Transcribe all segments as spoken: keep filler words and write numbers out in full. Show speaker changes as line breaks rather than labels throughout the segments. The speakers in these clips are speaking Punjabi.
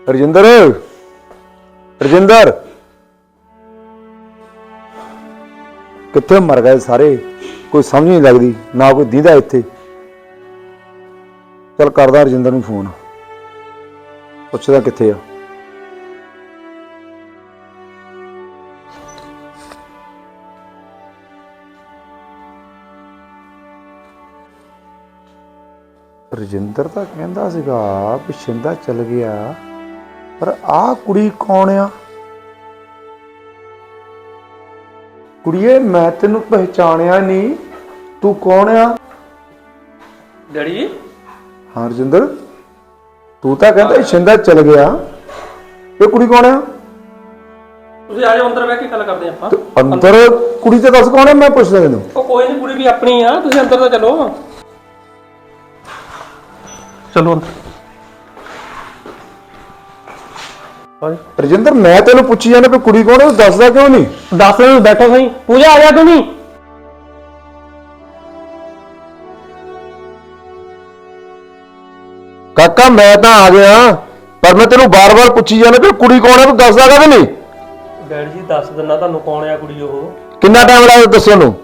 ਰਜਿੰਦਰ ਰਜਿੰਦਰ ਕਿੱਥੇ ਮਰ ਗਏ ਸਾਰੇ, ਕੋਈ ਸਮਝ ਨਹੀਂ ਲੱਗਦੀ, ਨਾ ਕੋਈ ਦੀਦਾ ਇੱਥੇ। ਚੱਲ ਕਰਦਾ ਰਜਿੰਦਰ ਨੂੰ ਫੋਨ, ਪੁੱਛਦਾ ਕਿੱਥੇ ਆ। ਰਜਿੰਦਰ ਤਾਂ ਕਹਿੰਦਾ ਸੀਗਾ ਵੀ ਸ਼ਿੰਦਾ ਚਲ ਗਿਆ, ਪਰ ਆਹ ਕੁੜੀ ਕੌਣ ਆ? ਕੁੜੀਏ ਮੈਂ ਤੈਨੂੰ ਪਹਿਚਾਣਿਆ ਨਹੀਂ, ਤੂੰ ਕੌਣ ਆ?
ਡੈਡੀ।
ਹਾਂ ਰਜਿੰਦਰ, ਤੂੰ ਤਾਂ ਕਹਿੰਦਾ ਸ਼ਿੰਦਾ ਚਲ ਗਿਆ, ਇਹ ਕੁੜੀ ਕੌਣ ਆ?
ਤੁਸੀਂ ਆ ਜਾਓ ਅੰਦਰ ਬਹਿ ਕੇ ਗੱਲ ਕਰਦੇ ਆਪਾਂ।
ਅੰਦਰ ਕੁੜੀ ਤੇ ਦੱਸ ਕੌਣ ਆ, ਮੈਂ ਪੁੱਛਦਾ ਤੈਨੂੰ।
ਉਹ ਕੋਈ ਨਹੀਂ, ਕੁੜੀ ਵੀ ਆਪਣੀ ਆ, ਤੁਸੀਂ ਅੰਦਰ ਤਾਂ ਚਲੋ। ਚਲੋ ਅੰਦਰ।
ਰਜਿੰਦਰ ਮੈਂ ਤੈਨੂੰ ਪੁੱਛੀ ਜਾਂਦਾ ਵੀ ਕੁੜੀ ਕੌਣ ਹੈ, ਦੱਸਦਾ ਕਿਉਂ ਨਹੀਂ?
ਦੱਸ ਦੇ, ਬੈਠੋ ਸਹੀ। ਪੂਜਾ ਆ ਜਾ ਤੂੰ ਵੀ।
ਕਾਕਾ ਮੈਂ ਤਾਂ ਆ ਗਿਆ, ਪਰ ਮੈਂ ਤੈਨੂੰ ਬਾਰ-ਬਾਰ ਪੁੱਛੀ ਜਾਂਦਾ ਵੀ ਕੁੜੀ ਕੌਣ ਹੈ, ਤੂੰ ਦੱਸਦਾ ਕਿਉਂ ਨਹੀਂ?
ਡੈਡੀ ਜੀ ਦੱਸ ਦਿੰਨਾ ਤੁਹਾਨੂੰ ਕੌਣ ਆ ਕੁੜੀ ਉਹ।
ਕਿੰਨਾ ਟਾਈਮ ਲੱਗਦਾ ਦੱਸਣ ਨੂੰ?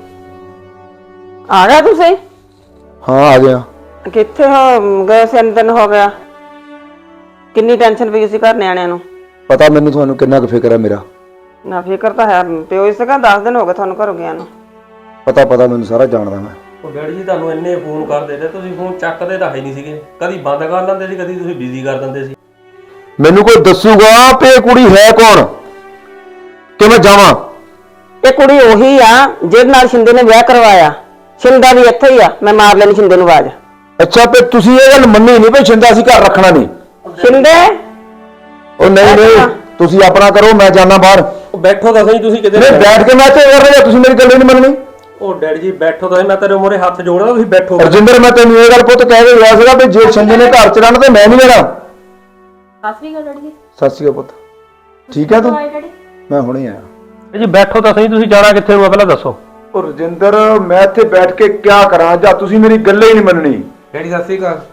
ਆ ਗਿਆ ਤੁਸੀਂ?
ਹਾਂ ਆ ਗਿਆ।
ਕਿੱਥੇ ਹੋ ਗਏ? ਤਿੰਨ ਦਿਨ ਹੋ ਗਿਆ। ਕਿੰਨੀ ਟੈਨਸ਼ਨ ਪਈ ਸੀ ਘਰ ਨਿਆਣਿਆਂ ਨੂੰ।
ਪਤਾ ਮੈਨੂੰ ਤੁਹਾਨੂੰ ਕਿੰਨਾ ਕੁ ਫਿਕਰ ਹੈ ਮੇਰਾ।
ਨਾ ਫਿਕਰ ਤਾਂ ਹੈ, ਪਿਓ ਇਸ ਕਾ ਦਸ ਦਿਨ ਹੋ ਗਏ ਤੁਹਾਨੂੰ ਘਰੋਂ ਗਿਆ ਨੂੰ।
ਪਤਾ ਪਤਾ ਮੈਨੂੰ ਸਾਰਾ ਜਾਣਦਾ ਮੈਂ।
ਉਹ ਡੈਡੀ ਜੀ ਤੁਹਾਨੂੰ ਇੰਨੇ ਫੋਨ ਕਰਦੇ ਤੇ ਤੁਸੀਂ ਫੋਨ ਚੱਕਦੇ ਤਾਂ ਹੈ ਨਹੀਂ ਸੀਗੇ, ਕਦੀ ਬੰਦ ਕਰ ਲੈਂਦੇ ਸੀ, ਕਦੀ ਤੁਸੀਂ ਬਿਜ਼ੀ ਕਰ ਦਿੰਦੇ ਸੀ।
ਮੈਨੂੰ ਕੋਈ ਦੱਸੂਗਾ ਕਿ ਇਹ ਕੁੜੀ ਹੈ ਕੌਣ, ਕਿ ਮੈਂ ਜਾਵਾਂ?
ਇਹ ਕੁੜੀ ਉਹੀ ਆ ਜਿਹਦੇ ਨਾਲ ਸ਼ਿੰਦੇ ਨੇ ਵਿਆਹ ਕਰਵਾਇਆ। ਸ਼ਿੰਦਾ ਵੀ ਇੱਥੇ ਹੀ ਆ, ਮੈਂ ਮਾਰ ਲੈਣੀ ਸ਼ਿੰਦੇ ਨੂੰ ਆਵਾਜ਼।
ਅੱਛਾ ਤੇ ਤੁਸੀਂ ਇਹ ਗੱਲ ਮੰਨੀ ਨਹੀਂ ਵੀ ਸ਼ਿੰਦਾ ਅਸੀਂ ਘਰ ਰੱਖਣਾ ਨਹੀਂ?
ਸ਼ਿੰਦੇ
ਉਹ ਨਹੀਂ ਨਹੀਂ, ਤੁਸੀਂ ਆਪਣਾ ਕਰੋ, ਮੈਂ ਜਾਣਾ ਬਾਹਰ।
ਉਹ ਬੈਠੋ ਤਾਂ ਸਹੀ, ਤੁਸੀਂ ਕਿਤੇ
ਨਹੀਂ ਬੈਠ ਕੇ ਮੈਂ ਤੇ ਕਰ ਰਿਹਾ, ਤੁਸੀਂ ਮੇਰੀ ਗੱਲ ਨਹੀਂ ਮੰਨਣੀ।
ਉਹ ਡੈਡੀ ਜੀ ਬੈਠੋ ਤਾਂ, ਮੈਂ ਤੇਰੇ ਮੂਹਰੇ ਹੱਥ ਜੋੜਦਾ, ਤੁਸੀਂ ਬੈਠੋ।
ਰਜਿੰਦਰ ਮੈਂ ਤੈਨੂੰ ਇਹ ਗੱਲ ਪੁੱਤ ਕਹਿ ਕੇ ਗਿਆ ਸੀਗਾ ਵੀ ਜੇ ਸ਼ਿੰਦੇ ਨੇ ਘਰ ਚ ਰਹਿਣਾ ਤੇ ਮੈਂ ਨਹੀਂ ਰਹਿਣਾ।
ਸਤਿ ਸ਼੍ਰੀ ਅਕਾਲ ਡੈਡੀ ਜੀ।
ਸਤਿ ਸ਼੍ਰੀ ਅਕਾਲ ਪੁੱਤ, ਠੀਕ ਹੈ ਤੂੰ? ਮੈਂ ਹੁਣੇ ਆਇਆ
ਜੀ ਬੈਠੋ ਤਾਂ ਸਹੀ, ਤੁਸੀਂ ਜਾਣਾ ਕਿੱਥੇ ਨੂੰ ਪਹਿਲਾਂ ਦੱਸੋ।
ਉਹ ਰਜਿੰਦਰ ਮੈਂ ਇੱਥੇ ਬੈਠ ਕੇ ਕੀ ਕਰਾਂ, ਜਾਂ ਤੁਸੀਂ ਮੇਰੀ ਗੱਲ ਹੀ ਨਹੀਂ ਮੰਨਣੀ।
ਡੈਡੀ ਸਤਿ ਸ਼੍ਰੀ ਅਕਾਲ।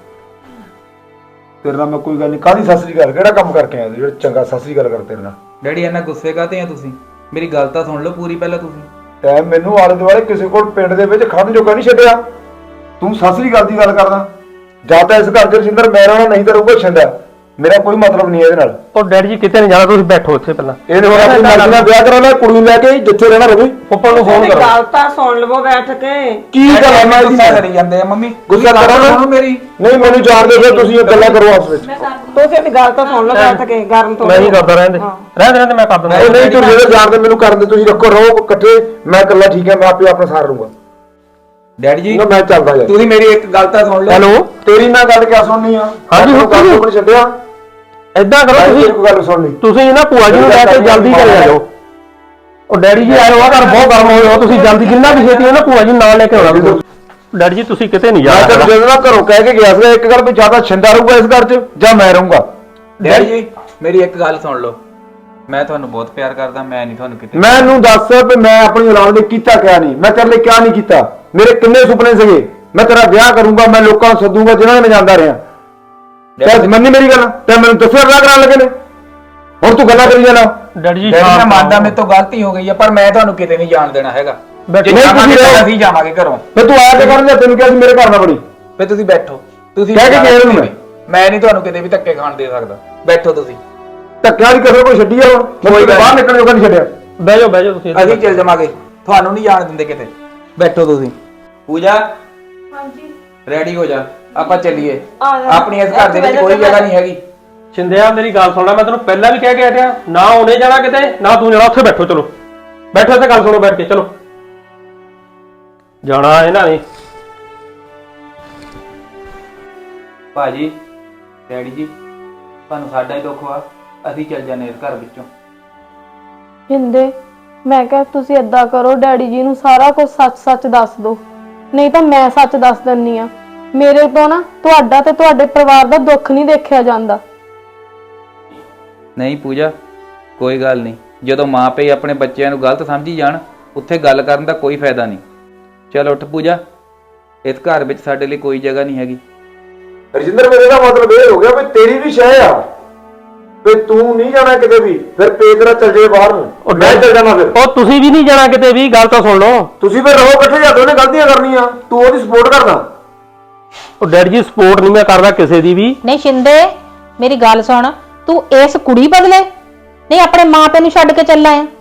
ਤੇਰੇ ਨਾਲ ਮੈਂ ਕੋਈ ਗੱਲ ਨਹੀਂ, ਕਾਹਦੀ ਸਤਿ ਸ਼੍ਰੀ ਅਕਾਲ? ਕਿਹੜਾ ਕੰਮ ਕਰਕੇ ਆਇਆ ਜਿਹੜਾ ਚੰਗਾ ਸਤਿ ਸ਼੍ਰੀ ਅਕਾਲ ਕਰ ਤੇਰੇ ਨਾਲ?
ਡੈਡੀ ਇੰਨਾ ਗੁੱਸੇ ਕਾਹਤੇ ਆ ਤੁਸੀਂ? ਮੇਰੀ ਗੱਲ ਤਾਂ ਸੁਣ ਲਓ ਪੂਰੀ ਪਹਿਲਾਂ ਤੁਸੀਂ।
ਤੈਂ ਮੈਨੂੰ ਆਲੇ ਦੁਆਲੇ ਕਿਸੇ ਕੋਲ ਪਿੰਡ ਦੇ ਵਿੱਚ ਖੜਨ ਜੋਗਾ ਨਹੀਂ ਛੱਡਿਆ, ਤੂੰ ਸਤਿ ਸ਼੍ਰੀ ਅਕਾਲ ਦੀ ਗੱਲ ਕਰਦਾ। ਜਾਂ ਤਾਂ ਇਸ ਘਰ ਚ ਰਜਿੰਦਰ ਮੈਂ ਰਹਿਣਾ, ਨਹੀਂ ਤਾਂ ਰਹੂਗਾ ਛਿੰਦਾ। ਮੇਰਾ ਕੋਈ ਮਤਲਬ ਨਹੀਂ ਇਹਦੇ ਨਾਲ।
ਉਹ ਡੈਡੀ ਜੀ ਕਿਤੇ ਨਹੀਂ ਜਾਣਾ, ਤੁਸੀਂ ਬੈਠੋ ਇੱਥੇ ਪਹਿਲਾਂ।
ਇਹਨੇ ਹੁਣ ਆਪਣੀ ਮਰਜ਼ੀ ਨਾਲ ਵਿਆਹ ਕਰਾ ਲਿਆ, ਕੁੜੀ ਨੂੰ ਲੈ ਕੇ ਜਿੱਥੇ ਰਹਿਣਾ ਰਵੇ।
ਉੱਪਰ ਨੂੰ ਫੋਨ ਕਰੋ।
ਗੱਲ ਤਾਂ ਸੁਣ ਲਵੋ ਬੈਠ ਕੇ।
ਕੀ ਗੱਲ ਹੈ? ਮੈਂ
ਗੁੱਸਾ ਕਰੀ ਜਾਂਦੇ ਆ ਮੰਮੀ।
ਗੁੱਸਾ ਕਰਾਂ ਨਾ
ਮੇਰੀ?
ਨਹੀਂ ਮੈਨੂੰ ਜਾਣਦੇ ਫਿਰ ਤੁਸੀਂ ਇਹ ਗੱਲਾਂ ਕਰੋ ਆਪਸ ਵਿੱਚ।
ਤੁਸੀਂ ਵੀ ਗੱਲ ਤਾਂ ਸੁਣ ਲਓ ਬੈਠ ਕੇ, ਗਰਮ ਤੋਂ।
ਮੈਂ ਨਹੀਂ ਕਰਦਾ, ਰਹਿੰਦੇ ਰਹਿੰਦੇ ਰਹਿੰਦੇ ਮੈਂ ਕਰ ਦਿੰਦਾ।
ਨਹੀਂ ਨਹੀਂ, ਤੂੰ ਜਿਹੜੇ ਜਾਣਦੇ ਮੈਨੂੰ ਕਰਨ ਦੇ, ਤੁਸੀਂ ਰੱਖੋ ਰਹੋ ਇਕੱਠੇ, ਮੈਂ ਇਕੱਲਾ ਠੀਕ ਹੈ, ਮੈਂ ਆਪੇ ਆਪਣਾ ਸਾਰ ਲੂੰਗਾ।
ਡੈਡੀ ਜੀ
ਨਾ ਮੈਂ ਚੱਲਦਾ ਯਾਰ।
ਤੁਸੀਂ ਮੇਰੀ ਇੱਕ ਗੱਲ ਤਾਂ ਸੁਣ ਲਓ।
ਹੈਲੋ, ਤੇਰੀ ਮੈਂ ਗੱਲ ਕਿਆ ਸੁਣਨੀ ਆ?
ਹਾਂਜੀ
ਹੁਣ ਕੰਮ ਤੋਂ ਛੱਡਿਆ।
ਏਦਾਂ ਕਰੋ ਤੁਸੀਂ,
ਇੱਕ ਗੱਲ ਸੁਣ ਲਈ,
ਤੁਸੀਂ ਨਾ ਭੂਆ ਜੀ ਨੂੰ ਲੈ ਕੇ ਜਲਦੀ ਘਰੇ ਆ ਜਾਓ। ਉਹ ਡੈਡੀ ਜੀ ਆਇਓ, ਆ ਘਰ ਬਹੁਤ ਗਰਮ ਹੋਇਆ, ਤੁਸੀਂ ਜਲਦੀ ਜਿੰਨਾ ਵੀ ਛੇਤੀ ਹੈ ਨਾ ਭੂਆ ਜੀ ਨੂੰ ਨਾਲ ਲੈ ਕੇ ਆਉਣਾ। ਡੈਡੀ ਜੀ ਤੁਸੀਂ ਕਿਤੇ ਨਹੀਂ
ਮੈਂ
ਜਾਣਾ।
ਤਾਂ ਜਦੋਂ ਨਾ ਘਰੋਂ ਕਹਿ ਕੇ ਗਿਆ ਸੀ ਇੱਕ ਗੱਲ ਵੀ ਜਿਆਦਾ ਛਿੰਦਾ ਰਹੂਗਾ ਇਸ ਘਰ 'ਚ ਜਾਂ ਮੈਂ ਰਹੂੰਗਾ।
ਡੈਡੀ ਜੀ ਮੇਰੀ ਇੱਕ ਗੱਲ ਸੁਣ ਲਓ, ਮੈਂ ਤੁਹਾਨੂੰ ਬਹੁਤ ਪਿਆਰ ਕਰਦਾ, ਮੈਂ ਨਹੀਂ ਤੁਹਾਨੂੰ ਕਿਤੇ।
ਮੈਨੂੰ ਦੱਸ ਵੀ ਮੈਂ ਆਪਣੀ ਔਲਾਦ ਲਈ ਕੀਤਾ ਕਿਆ ਨਹੀਂ, ਮੈਂ ਤੇਰੇ ਲਈ ਕਿਆ ਨਹੀਂ ਕੀਤਾ। ਮੇਰੇ ਕਿੰਨੇ ਸੁਪਨੇ ਸੀਗੇ, ਮੈਂ ਤੇਰਾ ਵਿਆਹ ਕਰੂੰਗਾ, ਮੈਂ ਲੋਕਾਂ ਨੂੰ ਸੱਦੂੰਗਾ ਜਿਨ੍ਹਾਂ ਨੇ ਮੈਂ ਜਾਂਦਾ ਰਿਹਾ। ਤੇ ਮੰਨੀ ਮੇਰੀ ਗੱਲ, ਤੇ ਮੈਨੂੰ ਦੱਸਿਆ ਵਿਆਹ ਕਰਾਉਣ ਲੱਗੇ ਨੇ, ਹੁਣ ਤੂੰ ਗੱਲਾਂ ਕਰੀ ਜਾਣਾ।
ਡੈਡੀ ਜੀ
ਮੈਂ ਮੰਨਦਾ ਮੇਰੇ ਤੋਂ ਗਲਤੀ ਹੋ ਗਈ ਹੈ, ਪਰ ਮੈਂ ਤੁਹਾਨੂੰ ਕਿਤੇ ਨਹੀਂ ਜਾਣ ਦੇਣਾ ਹੈਗਾ। ਜੇ
ਨਹੀਂ
ਜਾਵਾਂਗੇ
ਤੁਸੀਂ
ਤਾਂ ਅਸੀਂ ਜਾਵਾਂਗੇ ਘਰੋਂ।
ਫਿਰ ਤੂੰ ਆਇਆ ਤੇ ਕਰਨ ਜਾ, ਤੈਨੂੰ ਕਿਹਾ ਸੀ ਮੇਰੇ ਘਰ ਨਾ ਬੜੀ।
ਫਿਰ ਤੁਸੀਂ ਬੈਠੋ, ਤੁਸੀਂ
ਕਹਿ ਕੇ ਗਿਆ ਉਹਨੂੰ ਮੈਂ।
ਮੈਂ ਨਹੀਂ ਤੁਹਾਨੂੰ ਕਿਤੇ ਵੀ ਧੱਕੇ ਖਾਣ ਦੇ ਸਕਦਾ, ਬੈਠੋ ਤੁਸੀਂ।
ਧੱਕਿਆ ਨਹੀਂ ਕਿਸੇ ਕੋਈ ਛੱਡੀ ਆ, ਕੋਈ ਬਾਹਰ ਨਿਕਲਣ ਜੋਗਾ ਨਹੀਂ ਛੱਡਿਆ।
ਬਹਿ ਜਾਓ ਬਹਿ ਜਾਓ ਤੁਸੀਂ।
ਅਸੀਂ ਚੱਲ ਜਾਵਾਂਗੇ, ਤੁਹਾਨੂੰ ਨਹੀਂ ਜਾਣ ਦਿੰਦੇ ਕਿਤੇ, ਬੈਠੋ ਤੁਸੀਂ। ਪੂਜਾ
ਹਾਂਜੀ
ਰੈਡੀ ਹੋ ਜਾ, ਆਪਾਂ ਚੱਲੀਏ।
ਆ ਜਾ।
ਆਪਣੀ ਇਸ ਘਰ ਦੇ ਵਿੱਚ ਕੋਈ ਜਗ੍ਹਾ ਨਹੀਂ ਹੈਗੀ।
ਸ਼ਿੰਦਿਆ ਮੇਰੀ ਗੱਲ ਸੁਣ ਲੈ, ਮੈਂ ਤੈਨੂੰ ਪਹਿਲਾਂ ਵੀ ਕਹਿ ਕੇ ਹਟਿਆ, ਨਾ ਉਹਨੇ ਜਾਣਾ ਕਿਤੇ ਨਾ ਤੂੰ ਜਾਣਾ। ਉੱਥੇ ਬੈਠੋ, ਚਲੋ ਬੈਠੋ ਇੱਥੇ, ਗੱਲ ਸੁਣੋ ਬੈਠ ਕੇ। ਚਲੋ ਜਾਣਾ ਇਹਨਾਂ ਨੇ।
ਭਾਜੀ ਡੈਡੀ ਜੀ ਤੁਹਾਨੂੰ ਸਾਡਾ ਹੀ ਦੁੱਖ ਵਾ, ਅਸੀਂ ਚੱਲ ਜਾਂਦੇ ਇਸ ਘਰ ਵਿੱਚੋਂ।
ਹਿੰਦੇ ਮੈਂ ਕਿਹਾ ਤੁਸੀਂ ਏਦਾਂ ਕਰੋ, ਡੈਡੀ ਜੀ ਨੂੰ ਸਾਰਾ ਕੁਝ ਸੱਚ-ਸੱਚ ਦੱਸ ਦਿਓ, ਨਹੀਂ ਤਾਂ ਮੈਂ ਸੱਚ ਦੱਸ ਦਿੰਨੀ ਆ। ਮੇਰੇ ਤੋਂ ਨਾ ਤੁਹਾਡਾ ਤੇ ਤੁਹਾਡੇ ਪਰਿਵਾਰ ਦਾ ਦੁੱਖ ਨਹੀਂ ਦੇਖਿਆ ਜਾਂਦਾ।
ਨਹੀਂ ਪੂਜਾ ਕੋਈ ਗੱਲ ਨਹੀਂ, ਜਦੋਂ ਮਾਂ ਪਿਓ ਆਪਣੇ ਬੱਚਿਆਂ ਨੂੰ ਗਲਤ ਸਮਝੀ ਜਾਣ ਉੱਥੇ ਗੱਲ ਕਰਨ ਦਾ ਕੋਈ ਫਾਇਦਾ ਨਹੀਂ। ਚਲ ਉੱਠ ਪੂਜਾ, ਇਸ ਘਰ ਵਿੱਚ ਸਾਡੇ ਲਈ ਕੋਈ ਜਗ੍ਹਾ ਨਹੀਂ ਹੈਗੀ।
ਰਜਿੰਦਰ ਮੇਰੇ ਦਾ ਮਤਲਬ ਇਹ ਹੋ ਗਿਆ ਵੀ ਤੇਰੀ ਵੀ ਸ਼ੈ ਆ, ਤੇ ਤੂੰ ਨਹੀਂ ਜਾਣਾ ਕਿਤੇ ਵੀ, ਫਿਰ ਪੇ ਤੇਰਾ ਚੱਲ ਜਾਏ ਬਾਹਰ ਨੂੰ,
ਉਹ
ਮੈਂ ਚੱਲ ਜਾਣਾ ਫਿਰ।
ਉਹ ਤੁਸੀਂ ਵੀ ਨਹੀਂ ਜਾਣਾ ਕਿਤੇ ਵੀ, ਗੱਲ ਤਾਂ ਸੁਣ ਲਓ।
ਤੁਸੀਂ ਫਿਰ ਰਹੋ ਇਕੱਠੇ, ਜਾਂ ਦੋਨੇ ਗਲਤੀਆਂ ਕਰਨੀਆਂ, ਤੂੰ ਉਹਦੀ ਸਪੋਰਟ ਕਰਦਾ।
ਉਹ ਡੈਡੀ ਜੀ ਸਪੋਰਟ ਨਹੀਂ ਮੈਂ ਕਰਦਾ ਕਿਸੇ ਦੀ ਵੀ।
ਨਹੀਂ ਸ਼ਿੰਦੇ, ਮੇਰੀ ਗੱਲ ਸੁਣ, ਤੂੰ ਇਸ ਕੁੜੀ ਬਦਲੇ ਨਹੀਂ ਆਪਣੇ ਮਾਪੇ ਨੂੰ ਛੱਡ ਕੇ ਚੱਲਾ ਆ।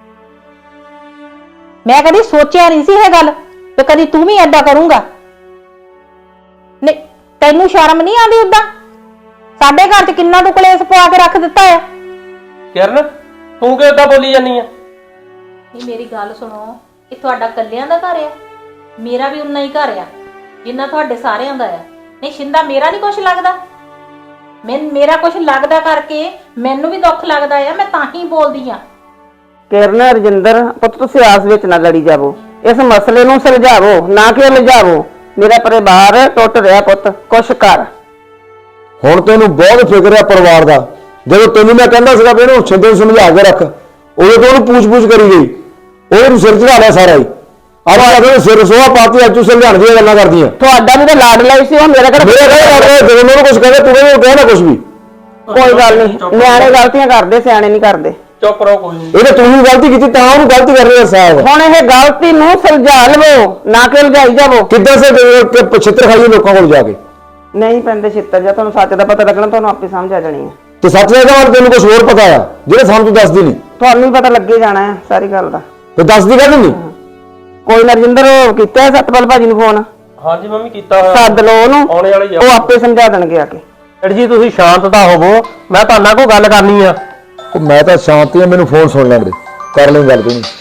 ਮੈਂ ਕਦੀ ਸੋਚਿਆ ਨਹੀਂ ਸੀ ਇਹ ਗੱਲ ਤੇ ਕਦੀ ਤੂੰ ਵੀ ਐਡਾ ਕਰੂੰਗਾ। ਨਹੀਂ ਤੈਨੂੰ ਸ਼ਰਮ ਨਹੀਂ ਆਉਂਦੀ? ਉਦਾਂ ਸਾਡੇ ਘਰ 'ਚ ਕਿੰਨਾ ਤੂੰ ਕਲੇਸ਼ ਪਵਾ ਕੇ ਰੱਖ ਦਿੱਤਾ ਆ।
ਕਿਰਨ ਤੂੰ ਕਿਉਂ ਏਦਾਂ ਬੋਲੀ ਜਾਂਦੀ ਆ?
ਨਹੀਂ ਮੇਰੀ ਗੱਲ ਸੁਣੋ, ਇਹ ਤੁਹਾਡਾ ਕੱਲਿਆਂ ਦਾ ਘਰ ਆ, ਮੇਰਾ ਵੀ ਉਨਾ ਹੀ ਘਰ ਆ ਜਿੰਨਾ ਤੁਹਾਡੇ ਸਾਰਿਆਂ ਦਾ ਆ। ਨਹੀਂ ਸ਼ਿੰਦਾ, ਮੇਰਾ ਨਹੀਂ ਕੁਝ ਲੱਗਦਾ? ਮੈਂ ਮੇਰਾ ਕੁਝ ਲੱਗਦਾ ਕਰਕੇ ਮੈਨੂੰ ਵੀ ਦੁੱਖ ਲੱਗਦਾ ਆ, ਮੈਂ ਤਾਂ ਹੀ ਬੋਲਦੀ ਆ।
ਕਿਰਨ ਰਜਿੰਦਰ ਪੁੱਤ ਤੁਸੀਂ ਆਸ ਵਿੱਚ ਨਾ ਲੜੀ ਜਾਵੋ, ਇਸ ਮਸਲੇ ਨੂੰ ਸੁਲਝਾਵੋ ਨਾ ਕਿ ਉਲਝਾਵੋ। ਮੇਰਾ ਪਰਿਵਾਰ ਟੁੱਟ ਰਿਹਾ ਪੁੱਤ, ਕੁਛ ਕਰ।
ਹੁਣ ਤੈਨੂੰ ਬਹੁਤ ਫਿਕਰ ਹੈ ਪਰਿਵਾਰ ਦਾ। ਜਦੋਂ ਤੈਨੂੰ ਮੈਂ ਕਹਿੰਦਾ ਸੀਗਾ ਵੀ ਇਹਨੂੰ ਛਿੰਦੇ ਨੂੰ ਸਮਝਾ ਕੇ ਰੱਖ, ਉਦੋਂ ਤੋਂ ਉਹਨੂੰ ਪੂਛ-ਪੂਛ ਕਰੀ ਗਈ, ਉਹਨੂੰ ਸਿਰ ਚੜਾ ਲਿਆ ਸਾਰਾ ਹੀ। ਆਹ ਅਗਰ ਸਿਰ ਸੋਹਾ ਪਾਤੀ, ਅੱਜ ਤੂੰ ਸਮਝਾਉਣ ਦੀਆਂ ਗੱਲਾਂ ਕਰਦੀਆਂ।
ਤੁਹਾਡਾ ਵੀ ਤਾਂ ਲਾਡ ਲਈ ਸੀ, ਉਹ ਮੇਰਾ ਕਿਹੜਾ
ਮੇਰੇ ਕਹਿੰਦਾ ਜਦੋਂ ਮੈਨੂੰ ਕੁਝ ਕਹਿੰਦਾ ਤੂੰ ਕਹਿੰਦਾ ਕਹਿਣਾ ਕੁਝ ਵੀ।
ਕੋਈ ਗੱਲ ਨਹੀਂ, ਨਿਆਣੇ ਗਲਤੀਆਂ ਕਰਦੇ, ਸਿਆਣੇ ਨਹੀਂ ਕਰਦੇ।
ਚੁੱਪ ਰਹੋ, ਕੋਈ ਨਹੀਂ।
ਇਹਨੇ ਤੂੰ ਵੀ ਗਲਤੀ ਕੀਤੀ ਤਾਂ ਉਹਨੂੰ ਗਲਤੀ ਕਰ ਰਿਹਾ ਸਾਹਿਬ।
ਹੁਣ ਇਹ ਗਲਤੀ ਨੂੰ ਸੁਲਝਾ ਲਵੋ ਨਾ ਕਿ ਉਲਝਾਈ ਜਾਵੋ।
ਕਿੱਦਾਂ ਸੇ ਪਛਿੱਤਰ ਖਾਈਏ ਲੋਕਾਂ ਕੋਲ ਜਾ ਕੇ?
ਨਹੀਂ ਪੈਂਦੇ ਛਿੱਤਰ, ਜਾਂ ਤੁਹਾਨੂੰ ਸੱਚ ਦਾ ਪਤਾ ਲੱਗਣਾ ਤੁਹਾਨੂੰ ਆਪੇ ਸਮਝ ਆ ਜਾਣੀ ਹੈ।
ਤੇ ਸੱਚ ਦਾ ਗੱਲ ਤੈਨੂੰ ਕੁਝ ਹੋਰ ਪਤਾ ਆ ਜਿਹੜਾ ਸਾਨੂੰ ਤੂੰ ਦੱਸਦੀ ਨਹੀਂ?
ਤੁਹਾਨੂੰ ਵੀ ਪਤਾ ਲੱਗੇ ਜਾਣਾ ਹੈ ਸਾਰੀ ਗੱਲ ਦਾ।
ਤੇ ਦੱਸਦੀ ਕਾਹਦੀ ਨਹੀਂ?
ਕੋਈ ਨਾ ਰਜਿੰਦਰ, ਕੀਤਾ ਹੈ ਸਤਪਾਲ ਭਾਜੀ ਨੂੰ ਫੋਨ?
ਹਾਂਜੀ ਮੰਮੀ ਕੀਤਾ ਹੋਇਆ।
ਸੱਦ ਲਓ ਉਹਨੂੰ,
ਆਉਣੇ ਵਾਲੀ ਆ।
ਉਹ ਆਪੇ ਸਮਝਾ ਦੇਣਗੇ ਆ ਕੇ।
ਡੈਡੀ ਜੀ ਤੁਸੀਂ ਸ਼ਾਂਤ ਤਾਂ ਹੋਵੋ, ਮੈਂ ਤੁਹਾਡੇ ਨਾਲ ਕੋਈ ਗੱਲ ਕਰਨੀ ਆ।
ਉਹ ਮੈਂ ਤਾਂ ਸ਼ਾਂਤੀ ਆ, ਮੈਨੂੰ ਫੋਨ ਸੁਣ ਲੈਣ ਦੇ, ਕਰ ਲਈ ਗੱਲ ਤੂੰ।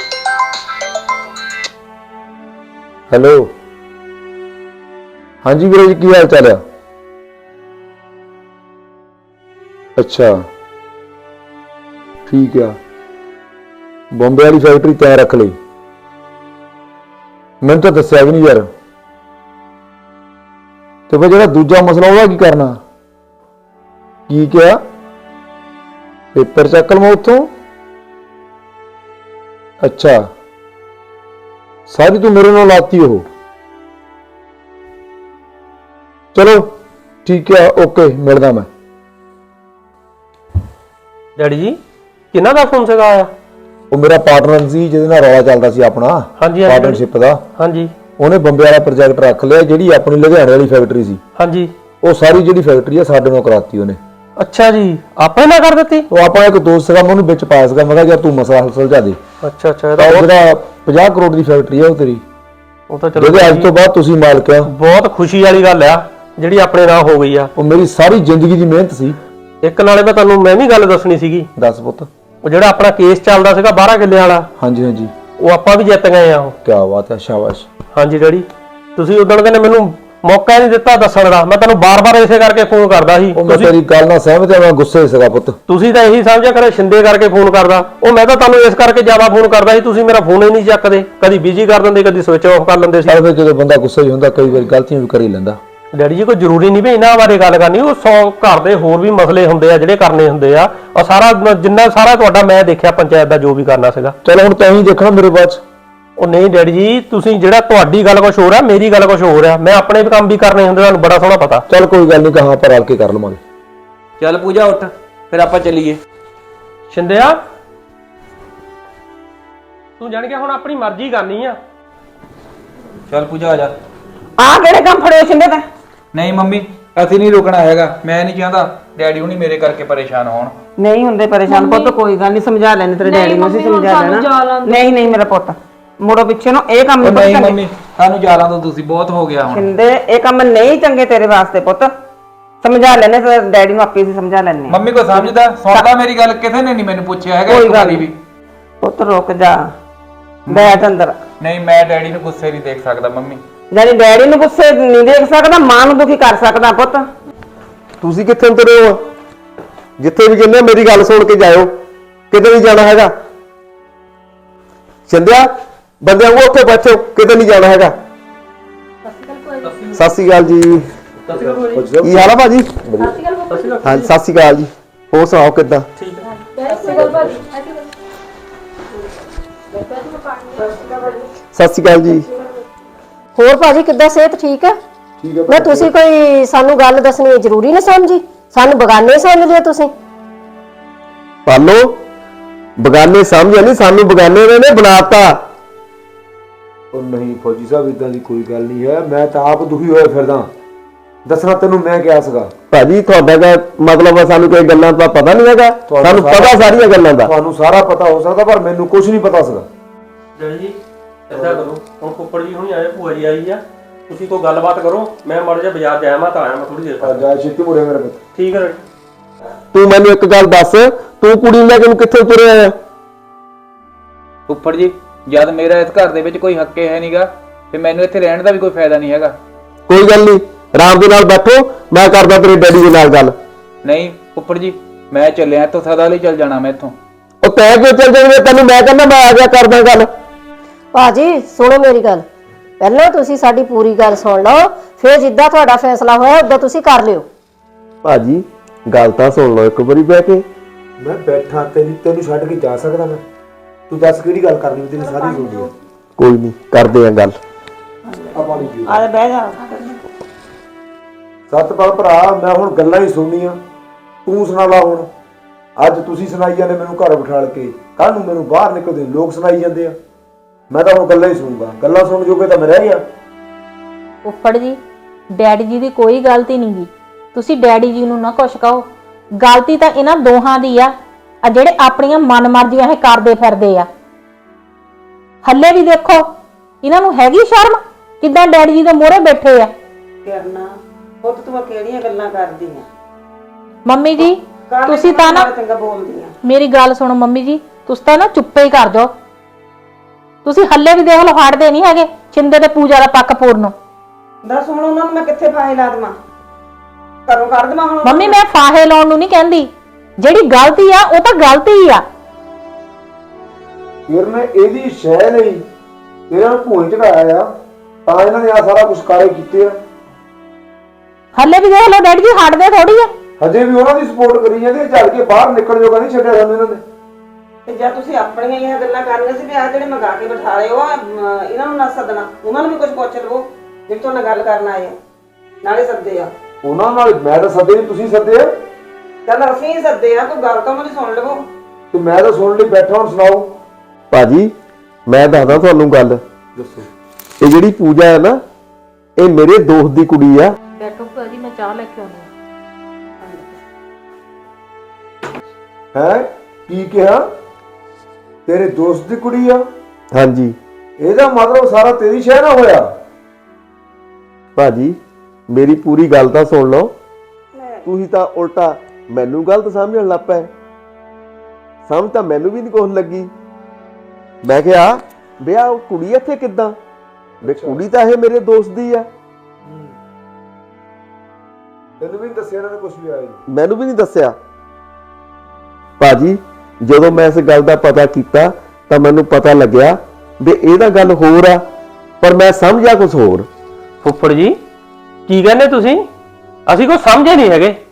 ਹੈਲੋ, ਹਾਂਜੀ ਵੀਰੇ ਜੀ, ਕੀ ਹਾਲ ਚਾਲ ਆ? ਅੱਛਾ ਠੀਕ ਆ, ਬੰਬੇ ਵਾਲੀ ਫੈਕਟਰੀ ਤੈਅ ਰੱਖ ਲਈ। ਮੈਨੂੰ ਤਾਂ ਦੱਸਿਆ ਵੀ ਨਹੀਂ ਯਾਰ। ਤੇ ਫਿਰ ਜਿਹੜਾ ਦੂਜਾ ਮਸਲਾ ਉਹਦਾ ਕੀ ਕਰਨਾ? ਕੀ ਕਿਹਾ? ਪੇਪਰ ਚੱਕ ਲਵਾਂ ਉੱਥੋਂ? ਅੱਛਾ, ਸਾਰੀ ਤੂੰ ਮੇਰੇ ਨਾਲ ਲਾਤੀ ਉਹ। ਚਲੋ ਠੀਕ ਹੈ, ਓਕੇ, ਮਿਲਦਾ ਮੈਂ।
ਡੈਡੀ ਜੀ ਕਿਹਨਾਂ ਦਾ ਫੋਨ ਸੀਗਾ ਆਇਆ?
ਉਹ ਮੇਰਾ ਪਾਰਟਨਰ ਸੀ ਜਿਹਦੇ ਨਾਲ ਰੌਲਾ ਚੱਲਦਾ ਸੀ ਆਪਣਾ
ਹਾਂਜੀ,
ਪਾਰਟਨਰਸ਼ਿਪ ਦਾ।
ਹਾਂਜੀ
ਉਹਨੇ ਬੰਬੇ ਵਾਲਾ ਪ੍ਰੋਜੈਕਟ ਰੱਖ ਲਿਆ, ਜਿਹੜੀ ਆਪਣੀ ਲੁਧਿਆਣੇ ਵਾਲੀ ਫੈਕਟਰੀ ਸੀ
ਹਾਂਜੀ,
ਉਹ ਸਾਰੀ ਜਿਹੜੀ ਫੈਕਟਰੀ ਆ ਸਾਡੇ ਨਾਲ ਕਰਾਤੀ ਉਹਨੇ।
ਅੱਛਾ ਜੀ, ਆਪਣੇ ਨਾਲ ਕਰ ਦਿੱਤੀ?
ਉਹ ਆਪਣਾ ਇੱਕ ਦੋਸਤ ਸੀਗਾ, ਮੈਂ ਉਹਨੂੰ ਵਿੱਚ ਪਾਇਆ ਸੀਗਾ, ਮੈਂ ਕਿਹਾ ਯਾਰ ਤੂੰ ਮਸਲਾ ਹੱਲ ਸੁਲਝਾ ਦੇ।
ਅੱਛਾ ਅੱਛਾ,
ਤਾਂ ਉਹ ਜਿਹੜਾ ਪੰਜਾਹ ਕਰੋੜ ਦੀ ਫੈਕਟਰੀ ਆ ਉਹ ਤੇਰੀ,
ਉਹ ਤਾਂ ਚਲੋ
ਜਿਹਦੇ ਅੱਜ ਤੋਂ ਬਾਅਦ ਤੁਸੀਂ ਮਾਲਕ ਆ।
ਬਹੁਤ ਖੁਸ਼ੀ ਵਾਲੀ ਗੱਲ ਆ ਜਿਹੜੀ ਆਪਣੇ ਨਾਲ ਹੋ ਗਈ ਆ।
ਉਹ ਮੇਰੀ ਸਾਰੀ ਜ਼ਿੰਦਗੀ ਦੀ ਮਿਹਨਤ ਸੀ।
ਇੱਕ ਨਾਲੇ ਮੈਂ ਤੁਹਾਨੂੰ ਮੈਂ ਵੀ ਗੱਲ ਦੱਸਣੀ ਸੀਗੀ।
ਦੱਸ ਪੁੱਤ।
ਉਹ ਜਿਹੜਾ ਆਪਣਾ ਕੇਸ ਚੱਲਦਾ ਸੀਗਾ ਬਾਰਾਂ ਕਿੱਲੇ ਵਾਲਾ,
ਹਾਂਜੀ ਹਾਂਜੀ,
ਉਹ ਆਪਾਂ ਵੀ ਜਿੱਤ ਗਏ ਆ ਉਹ।
ਕੀ ਬਾਤ ਹੈ, ਸ਼ਾਬਾਸ਼।
ਹਾਂਜੀ ਡੈਡੀ, ਤੁਸੀਂ ਉਦੋਂ ਕਹਿੰਦੇ ਮੈਨੂੰ ਮੌਕਾ ਨਹੀਂ ਦਿੱਤਾ ਦੱਸਣ ਦਾ, ਮੈਂ ਤੁਹਾਨੂੰ ਬਾਰ-ਬਾਰ ਇਸੇ ਕਰਕੇ ਫੋਨ ਕਰਦਾ ਸੀ।
ਉਹ ਮੈਂ ਤੇਰੀ ਗੱਲ ਨਾਲ ਸਹਿਮਤ ਹਾਂ, ਮੈਂ ਗੁੱਸੇ ਸੀਗਾ ਪੁੱਤ।
ਤੁਸੀਂ ਤਾਂ ਇਹੀ ਸਮਝਿਆ ਕਰੇ ਸ਼ਿੰਦੇ ਕਰਕੇ ਫੋਨ ਕਰਦਾ, ਉਹ ਮੈਂ ਤਾਂ ਤੁਹਾਨੂੰ ਇਸ ਕਰਕੇ ਜ਼ਿਆਦਾ ਫੋਨ ਕਰਦਾ ਸੀ, ਤੁਸੀਂ ਮੇਰਾ ਫੋਨ ਹੀ ਨਹੀਂ ਚੱਕਦੇ, ਕਦੀ ਬਿਜ਼ੀ ਕਰ ਦਿੰਦੇ, ਕਦੀ ਸਵਿਚ ਆਫ ਕਰ ਲੈਂਦੇ ਸੀ।
ਚੱਲ ਫਿਰ ਜਦੋਂ ਬੰਦਾ ਗੁੱਸੇ 'ਚ ਹੁੰਦਾ ਕਈ ਵਾਰੀ ਗਲਤੀਆਂ ਵੀ ਕਰ ਹੀ ਲੈਂਦਾ।
ਡੈਡੀ ਜੀ ਕੋਈ ਜ਼ਰੂਰੀ ਨਹੀਂ ਵੀ ਇਹਨਾਂ ਬਾਰੇ ਗੱਲ ਕਰਨੀ, ਉਹ ਸੌ ਘਰ ਦੇ ਹੋਰ ਵੀ ਮਸਲੇ ਹੁੰਦੇ ਆ ਜਿਹੜੇ ਕਰਨੇ ਹੁੰਦੇ ਆ। ਉਹ ਸਾਰਾ ਜਿੰਨਾ ਸਾਰਾ ਤੁਹਾਡਾ ਮੈਂ ਦੇਖਿਆ ਪੰਚਾਇਤ ਦਾ ਜੋ ਵੀ ਕਰਨਾ ਸੀਗਾ।
ਚਲ ਹੁਣ ਤੈਂ ਹੀ ਦੇਖਣਾ ਮੇਰੇ ਬਾਅਦ 'ਚ।
ਉਹ ਨਹੀਂ ਡੈਡੀ ਜੀ, ਤੁਸੀਂ ਜਿਹੜਾ ਤੁਹਾਡੀ ਗੱਲ ਕੁਝ ਹੋਰ ਆ, ਮੇਰੀ ਗੱਲ ਕੁਝ ਹੋਰ ਆ, ਮੈਂ ਆਪਣੇ ਵੀ ਕੰਮ ਵੀ ਕਰਨੇ ਹੁੰਦੇ, ਤੁਹਾਨੂੰ ਬੜਾ ਸੋਹਣਾ ਪਤਾ।
ਚੱਲ ਕੋਈ ਗੱਲ ਨਹੀਂ, ਕਹਾਂ ਆਪਾਂ ਰਲ ਕੇ ਕਰ ਲਵਾਂਗੇ।
ਚੱਲ ਪੂਜਾ ਉੱਠ, ਫਿਰ ਆਪਾਂ ਚੱਲੀਏ।
ਸ਼ਿੰਦਿਆ ਤੂੰ ਜਾਣ ਕੇ ਹੁਣ ਆਪਣੀ ਮਰਜ਼ੀ ਕਰਨੀ ਆ।
ਚੱਲ ਪੂਜਾ ਆ ਜਾ।
ਆਹ ਕਿਹੜੇ ਕੰਮ ਫੜੇ ਛਿੰਦੇ ਤੇ?
ਨਹੀਂ ਮੰਮੀ, ਅਸੀਂ ਨਹੀਂ ਰੁਕਣਾ ਹੈਗਾ, ਮੈਂ ਨਹੀਂ ਚਾਹੁੰਦਾ ਡੈਡੀ ਹੁਣੀ ਮੇਰੇ ਕਰਕੇ ਪਰੇਸ਼ਾਨ ਹੋਣ।
ਨਹੀਂ ਹੁੰਦੇ ਪਰੇਸ਼ਾਨ ਪੁੱਤ, ਕੋਈ ਗੱਲ ਨਹੀਂ, ਸਮਝਾ ਲੈਣੇ ਤੇਰੇ ਡੈਡੀ ਨੂੰ, ਅਸੀਂ ਸਮਝਾ ਲੈਣਾ। ਨਹੀਂ ਨਹੀਂ ਮੇਰਾ ਪੁੱਤ, ਮੁੜੋ ਪਿੱਛੇ ਨੂੰ, ਇਹ ਕੰਮ
ਉਹ
ਨਹੀਂ
ਨਹੀਂ
ਚੰਗੇ।
ਮੰਮੀ, ਸਾਨੂੰ ਜਾਲਾਂ ਤੋਂ ਤੁਸੀਂ ਬਹੁਤ ਹੋ ਗਿਆ ਹੁਣ।
ਛਿੰਦੇ ਇਹ ਕੰਮ ਨਹੀਂ ਚੰਗੇ ਤੇਰੇ ਵਾਸਤੇ ਪੁੱਤ, ਸਮਝਾ ਲੈਣੇ ਤੇ ਡੈਡੀ ਨੂੰ ਆਪੇ ਅਸੀਂ ਸਮਝਾ ਲੈਣੇ।
ਮੰਮੀ ਕੋਈ ਸਮਝਦਾ ਸੁਣਦਾ ਮੇਰੀ ਗੱਲ? ਕਿਸੇ ਨੇ ਨਹੀਂ ਮੈਨੂੰ ਪੁੱਛਿਆ ਹੈਗਾ
ਕੋਈ
ਇੱਕ
ਗੱਲ
ਵਾਰੀ ਵੀ।
ਪੁੱਤ ਰੁਕ ਜਾ, ਬੈਠ ਅੰਦਰ।
ਨਹੀਂ, ਮੈਂ ਡੈਡੀ ਨੂੰ ਗੁੱਸੇ ਨਹੀਂ ਦੇਖ ਸਕਦਾ ਮੰਮੀ।
ਜਾਨੀ ਡੈਡੀ ਨੂੰ ਗੁੱਸੇ ਨਹੀਂ ਦੇਖ ਸਕਦਾ, ਮਾਂ ਨੂੰ ਦੁਖੀ ਕਰ ਸਕਦਾ ਪੁੱਤ।
ਤੁਸੀਂ ਕਿੱਥੇ ਉਤਰੇ ਹੋ? ਜਿੱਥੇ ਵੀ ਕਹਿੰਦੇ ਮੇਰੀ ਗੱਲ ਸੁਣ ਕੇ ਜਾਇਓ, ਕਿਤੇ ਨਹੀਂ ਜਾਣਾ ਹੈਗਾ। ਚੰਦਿਆ ਬੰਦਿਆਂ ਨੂੰ ਉੱਥੇ ਬੈਠੋ, ਕਿਤੇ ਨਹੀਂ ਜਾਣਾ ਹੈਗਾ। ਸਤਿ ਸ਼੍ਰੀ ਅਕਾਲ ਜੀ। ਕੀ ਹਾਲ ਆ ਭਾਜੀ? ਹਾਂਜੀ ਸਤਿ ਸ਼੍ਰੀ ਅਕਾਲ ਜੀ, ਹੋਰ ਸੁਣਾਓ ਕਿੱਦਾਂ? ਸਤਿ ਸ਼੍ਰੀ ਅਕਾਲ ਜੀ।
ਹੋਰ ਭਾਜੀ ਕਿੱਦਾਂ, ਸਿਹਤ ਠੀਕ ਹੈ? ਮੈਂ ਤੁਸੀਂ ਕੋਈ ਸਾਨੂੰ ਗੱਲ ਦੱਸਣੀ ਜ਼ਰੂਰੀ ਨਹੀਂ ਸਮਝੀ, ਸਾਨੂੰ ਬਗਾਨੇ ਸਮਝ ਲਿਆ ਤੁਸੀਂ।
ਪਾਲੋ ਬਗਾਨੇ ਸਮਝਿਆ ਨਹੀਂ, ਸਾਨੂੰ ਬਗਾਨੇ ਨੇ ਬਣਾਤਾ।
ਉਹ ਨਹੀਂ ਫੌਜੀ ਸਾਹਿਬ, ਇਦਾਂ ਦੀ ਕੋਈ ਗੱਲ ਨਹੀਂ ਹੈ। ਮੈਂ ਤਾਂ ਆਪ ਦੁਖੀ ਹੋਇਆ ਫਿਰਦਾ। ਦੱਸਣਾ ਤੈਨੂੰ ਮੈਂ ਕਿਹਾ ਸੀਗਾ।
ਭਾਜੀ ਤੁਹਾਡਾ ਦਾ ਮਤਲਬ ਆ ਸਾਨੂੰ ਕੋਈ ਗੱਲਾਂ ਦਾ ਪਤਾ ਨਹੀਂ ਹੈਗਾ? ਸਾਨੂੰ ਪਤਾ ਸਾਰੀਆਂ ਗੱਲਾਂ ਦਾ।
ਤੁਹਾਨੂੰ ਸਾਰਾ ਪਤਾ ਹੋ ਸਕਦਾ, ਪਰ ਮੈਨੂੰ ਕੁਝ ਨਹੀਂ ਪਤਾ ਸੀਗਾ।
ਡੈਡੀ ਜੀ ਏਦਾਂ ਕਰੋ, ਹੁਣ ਫੁੱਫੜ ਜੀ ਹੁਣੀ ਆਏ, ਭੂਆ ਜੀ ਆਈ ਆ, ਤੁਸੀਂ ਕੋਈ ਗੱਲਬਾਤ ਕਰੋ। ਮੈਂ ਮਾੜਾ ਜਿਹਾ ਬਾਜ਼ਾਰ ਜਾਇਆ, ਮੈਂ ਤਾਂ ਆਇਆ ਮੈਂ ਥੋੜੀ ਦੇਰ
ਆ ਜਾ ਛੇਤੀ ਮੁੜੇ ਮੇਰੇ ਪੁੱਤ।
ਠੀਕ ਹੈ। ਤੂੰ ਮੈਨੂੰ ਇੱਕ ਗੱਲ ਦੱਸ, ਤੂੰ ਕੁੜੀ ਨੂੰ ਲੈ ਕੇ ਕਿੱਥੇ ਤੁਰਿਆ ਆ?
ਫੁੱਫੜ ਜੀ ਜਦ ਮੇਰਾ ਇਸ ਘਰ ਦੇ ਵਿੱਚ ਕੋਈ ਹੱਕੇ ਹੈ ਨਹੀਂਗਾ, ਤੇ ਮੈਨੂੰ ਇੱਥੇ ਰਹਿਣ ਦਾ ਵੀ ਕੋਈ ਫਾਇਦਾ ਨਹੀਂ ਹੈਗਾ।
ਕੋਈ ਗੱਲ ਨਹੀਂ, ਆਰਾਮ ਦੇ ਨਾਲ ਬੈਠੋ, ਮੈਂ ਕਰਦਾ ਤੇਰੇ ਡੈਡੀ ਦੇ ਨਾਲ ਗੱਲ।
ਨਹੀਂ ਫੁੱਫੜ ਜੀ, ਮੈਂ ਚੱਲਿਆ ਇੱਥੋਂ, ਸਦਾ ਲਈ ਚੱਲ ਜਾਣਾ ਮੈਂ ਇੱਥੋਂ।
ਉਹ ਤੈਂ ਕਿਉਂ ਚੱਲ ਜਾਵੇਂ? ਤੈਨੂੰ ਮੈਂ ਕਹਿੰਦਾ ਮੈਂ ਆ ਗਿਆ ਕਰਦਾ ਗੱਲ।
ਭਾਜੀ ਸੁਣੋ ਮੇਰੀ ਗੱਲ, ਪਹਿਲਾਂ ਤੁਸੀਂ ਸਾਡੀ ਪੂਰੀ ਗੱਲ ਸੁਣ ਲਓ, ਫਿਰ ਜਿੱਦਾਂ ਤੁਹਾਡਾ ਫੈਸਲਾ ਹੋਇਆ ਉਦਾਂ ਤੁਸੀਂ ਕਰ ਲਿਓ।
ਭਾਜੀ ਗੱਲ ਤਾਂ ਸੁਣ ਲਓ ਇੱਕ ਵਾਰੀ ਬਹਿ ਕੇ।
ਮੈਂ ਬੈਠਾ, ਤੈਨੂੰ ਤੈਨੂੰ ਛੱਡ ਕੇ ਜਾ ਸਕਦਾ ਮੈਂ? ਤੂੰ ਦੱਸ ਕਿਹੜੀ ਗੱਲ ਕਰਨੀ, ਤੇਰੀ ਸਾਰੀ ਸੁਣ ਲਈ।
ਕੋਈ ਨਹੀਂ, ਕਰਦੇ ਆ ਗੱਲ।
ਆਪਾਂ ਨਹੀਂ ਜੀ
ਆ ਬਹਿ ਜਾ।
ਸਤਪਾਲ ਭਰਾ, ਮੈਂ ਹੁਣ ਗੱਲਾਂ ਹੀ ਸੁਣਨੀਆਂ, ਤੂੰ ਸੁਣਾ ਲਾ ਹੁਣ। ਅੱਜ ਤੁਸੀਂ ਸੁਣਾਈ ਜਾਂਦੇ ਮੈਨੂੰ ਘਰ ਬਿਠਾਲ ਕੇ, ਕੱਲ ਨੂੰ ਮੈਨੂੰ ਬਾਹਰ ਨਿਕਲਦੇ ਲੋਕ ਸੁਣਾਈ ਜਾਂਦੇ ਆ। ਮੈਂ ਤਾਂ ਹੁਣ ਗੱਲਾਂ ਹੀ ਸੁਣੂਗਾ, ਗੱਲਾਂ ਸੁਣ ਜੋਗੇ ਤਾਂ ਮੈਂ ਰਹਿ ਗਿਆ।
ਉੱਪੜ ਜੀ ਡੈਡੀ ਜੀ ਦੀ ਕੋਈ ਗਲਤੀ ਨਹੀਂ ਗੀ, ਤੁਸੀਂ ਡੈਡੀ ਜੀ ਨੂੰ ਨਾ ਕੁਛ ਕਹੋ। ਗਲਤੀ ਤਾਂ ਇਹਨਾਂ ਦੋਹਾਂ ਦੀ ਆ, ਆ ਜਿਹੜੇ ਆਪਣੀਆਂ ਮਨਮਰਜ਼ੀਆਂ ਇਹ ਕਰਦੇ ਫਿਰਦੇ ਆ। ਹੱਲੇ ਵੀ ਦੇਖੋ ਇਹਨਾਂ ਨੂੰ ਹੈਗੀ ਸ਼ਰਮ, ਕਿਦਾਂ ਡੈਡੀ ਜੀ ਦੇ ਮੂਹਰੇ ਬੈਠੇ ਆ।
ਕਰਨਾ ਪੁੱਤ ਤੂੰ ਕਿਹੜੀਆਂ ਗੱਲਾਂ ਕਰਦੀ ਆ?
ਮੰਮੀ ਜੀ ਤੁਸੀਂ ਤਾਂ ਨਾ
ਚੰਗਾ ਬੋਲਦੀ ਆ।
ਮੇਰੀ ਗੱਲ ਸੁਣੋ ਮੰਮੀ ਜੀ, ਤੁਸੀਂ ਤਾਂ ਨਾ ਚੁੱਪੇ ਹੀ ਕਰ ਜਾਓ। ਤੁਸੀਂ ਹੱਲੇ ਵੀ ਦੇਖ ਲਓ ਹਟਦੇ ਨਹੀਂ ਹੈਗੇ ਛਿੰਦੇ ਤੇ ਪੂਜਾ ਦਾ ਪੱਕ ਪੂਰਨ।
ਦੱਸ ਹੁਣ ਉਹਨਾਂ ਨੂੰ ਮੈਂ ਕਿੱਥੇ ਫਾਹੇ ਲਾ ਦੇਵਾਂ? ਘਰੋਂ ਕੱਢ ਦੇਵਾਂ ਹੁਣ?
ਮੰਮੀ ਮੈਂ ਫਾਹੇ ਲਾਉਣ ਨੂੰ ਨਹੀਂ ਕਹਿੰਦੀ, ਜਿਹੜੀ ਗਲਤੀ ਆ ਉਹ ਤਾਂ ਗਲਤੀ ਆ।
ਫਿਰ ਮੈਂ ਇਹਦੀ ਸ਼ੈ ਲਈ ਇਹਨਾਂ ਨੂੰ ਭੂਏ ਚੜਾਇਆ ਆ, ਤਾਂ ਇਹਨਾਂ ਨੇ ਆ ਸਾਰਾ ਕੁਝ ਕਾਰੇ ਕੀਤੇ ਆ।
ਹੱਲੇ ਵੀ ਦੇਖ ਲਓ ਡੈਡੀ ਜੀ ਹਟਦੇ ਥੋੜੀ ਆ।
ਹਜੇ ਵੀ ਉਹਨਾਂ ਦੀ ਸਪੋਰਟ ਕਰੀ ਜਾਂਦੇ, ਝੜ ਕੇ ਬਾਹਰ ਨਿਕਲ ਜੋਗਾ ਨਹੀਂ ਛੱਡਿਆ ਸਾਨੂੰ ਇਹਨਾਂ ਨੇ।
ਤੇ ਜੇ ਤੁਸੀਂ ਆਪਣੀਆਂ ਇਹ ਗੱਲਾਂ ਕਰਨੀਆਂ ਸੀ ਵੀ ਆ ਜਿਹੜੇ ਮੰਗਾ ਕੇ ਬਿਠਾ ਲਏ ਉਹ ਇਹਨਾਂ ਨੂੰ ਨਾ ਸੱਦਣਾ, ਉਹਨਾਂ ਨੂੰ ਵੀ ਕੁਝ ਪੁੱਛ ਲਵੋ ਜਿਹੜੇ ਤੁਹਾਡੇ ਨਾਲ ਗੱਲ ਕਰਨ ਆਏ ਆ, ਨਾਲੇ ਸੱਦੇ ਆ।
ਉਹਨਾਂ ਨਾਲ ਮੈਂ ਤਾਂ ਸੱਦੇ ਨਹੀਂ, ਤੁਸੀਂ ਸੱਦੇ ਆ।
ਚੱਲ ਅਸੀਂ ਹੀ ਸੱਦੇ ਆ, ਕੋਈ ਗੱਲ ਤਾਂ ਉਹਨਾਂ ਦੀ ਸੁਣ ਲਵੋ।
ਤੇ ਮੈਂ ਤਾਂ ਸੁਣ ਲਈ ਬੈਠਾ, ਹੁਣ ਸੁਣਾਓ।
ਭਾਜੀ ਮੈਂ ਦੱਸਦਾ ਤੁਹਾਨੂੰ ਗੱਲ।
ਦੱਸੋ।
ਇਹ ਜਿਹੜੀ ਪੂਜਾ ਹੈ ਨਾ, ਇਹ ਮੇਰੇ ਦੋਸਤ ਦੀ ਕੁੜੀ ਆ।
ਬੈਠੋ ਭਾਜੀ ਮੈਂ ਚਾਹ ਲੈ ਕੇ ਆਉਂਦੀ
ਹੈ ਕੀ ਕਿਹਾ? ਤੇਰੇ ਦੋਸਤ ਦੀ ਕੁੜੀ ਆ?
ਹਾਂਜੀ
ਇਹਦਾ ਮਤਲਬ ਸਾਰਾ ਤੇਰੀ ਸ਼ਹਿ ਨਾ ਹੋਇਆ?
ਭਾਜੀ ਮੇਰੀ ਪੂਰੀ ਗੱਲ ਤਾਂ ਸੁਣ ਲਓ। ਤੁਸੀਂ ਤਾਂ ਉਲਟਾ ਮੈਨੂੰ ਗਲਤ ਸਮਝਣ ਲੱਗ ਪਏ। ਸਮਝ ਤਾਂ ਮੈਨੂੰ ਵੀ ਨਹੀਂ ਕੁਛ ਲੱਗੀ। ਮੈਂ ਕਿਹਾ ਵਿਆਹ ਉਹ ਕੁੜੀ ਇੱਥੇ ਕਿੱਦਾਂ? ਵੇ ਕੁੜੀ ਤਾਂ ਇਹ ਮੇਰੇ ਦੋਸਤ ਦੀ ਆ।
ਤੈਨੂੰ ਵੀ ਨੀ ਦੱਸਿਆ ਇਹਨਾਂ ਨੇ ਕੁਝ ਵੀ ਆਇਆ ਜੀ?
ਮੈਨੂੰ ਵੀ ਨਹੀਂ ਦੱਸਿਆ। ਭਾਜੀ ਜਦੋਂ ਮੈਂ ਇਸ ਗੱਲ ਦਾ ਪਤਾ ਕੀਤਾ ਤਾਂ ਮੈਨੂੰ ਪਤਾ ਲੱਗਿਆ ਵੀ ਇਹ ਤਾਂ ਗੱਲ ਹੋਰ ਆ, ਪਰ ਮੈਂ ਸਮਝਿਆ ਕੁਝ ਹੋਰ। ਫੁੱਫੜ ਜੀ ਕੀ ਕਹਿੰਦੇ ਤੁਸੀਂ? ਅਸੀਂ ਕੁਝ ਸਮਝੇ ਨਹੀਂ ਹੈਗੇ।